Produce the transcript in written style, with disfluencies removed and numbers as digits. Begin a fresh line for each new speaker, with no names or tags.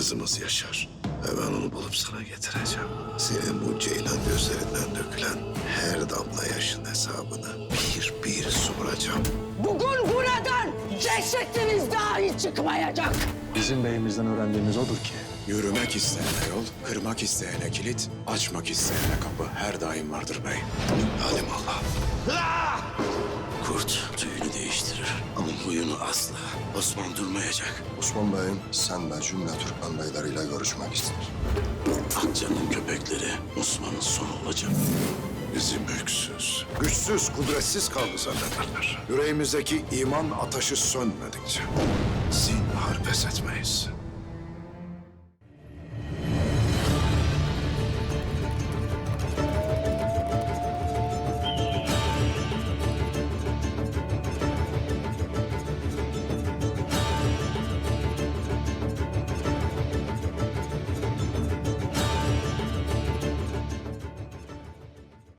kızımız yaşar. Ve ben onu bulup sana getireceğim. Senin bu ceylan gözlerinden dökülen her damla yaşın hesabını bir bir soracağım.
Bugün buradan cesetiniz dahi çıkmayacak.
Bizim beyimizden öğrendiğimiz odur ki
Yürümek isteyene yol, kırmak isteyene kilit, açmak isteyene kapı her daim vardır bey.
Halim Allah. Kurt tüyünü değiştirir ama huyunu asla. Osman durmayacak.
Osman Bey'im sen de cümle Türkmen beyleriyle görüşmek ister.
Akça'nın köpekleri Osman'ın sonu olacak. Bizi mülksüz, güçsüz, kudretsiz kaldı zannederler. Yüreğimizdeki iman ateşi sönmedikçe zinhar pes etmeyiz.